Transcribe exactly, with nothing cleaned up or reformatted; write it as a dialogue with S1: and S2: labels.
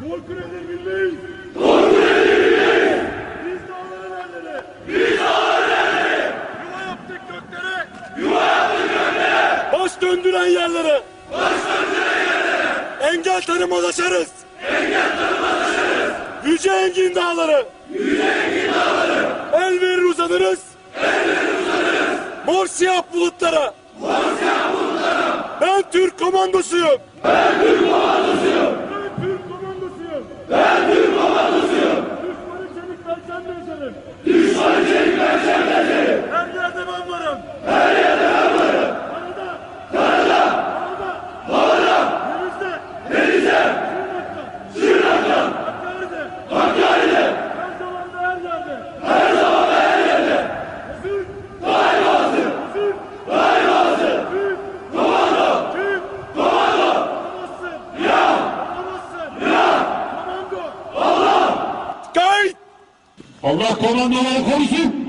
S1: Korkun edebilmeyiz.
S2: Korkun edebilmeyiz.
S1: Biz dağların erleri.
S2: Biz dağların erleri.
S1: Yuva yaptık göklere.
S2: Yuva yaptık göklere.
S1: Baş döndüren yerlere.
S2: Baş döndüren yerlere.
S1: Engel tanımaz aşarız.
S2: Engel tanımaz aşarız.
S1: Yüce engin dağları.
S2: Yüce engin dağları.
S1: El verir uzanırız.
S2: El verir uzanırız.
S1: Mor siyah bulutlara.
S2: Mor siyah bulutlara.
S1: Ben Türk komandosuyum.
S2: Ben Türk komandosuyum.
S1: Ben Türk komandosuyum.
S2: Ben Türk komandosuyum.
S1: Düşmanı çelik perçemle ezerim.
S2: Düşmanı çelik perçemle ezerim.
S1: Her yerde ben varım.
S2: Her yerde ben varım.
S1: Karada.
S2: Karada.
S1: Havada.
S2: Havada.
S1: Denizde.
S2: Denizde.
S1: Şırnak'ta.
S2: Şırnak'ta.
S1: Hakkari'de.
S2: Hakkari'de.
S1: Her zaman da her yerde.
S2: Her zaman ve her yerde.
S1: Hazır.
S2: Daima hazır.
S1: Hazır.
S2: Daima hazır.
S1: Türk.
S2: Komando.
S1: Türk.
S2: Komando.
S1: Alamazsın.
S2: Ya.
S1: Alamazsın.
S2: Ya.
S1: Komando.
S2: Allah.
S1: Kayıt.
S3: Allah komandoları korusun.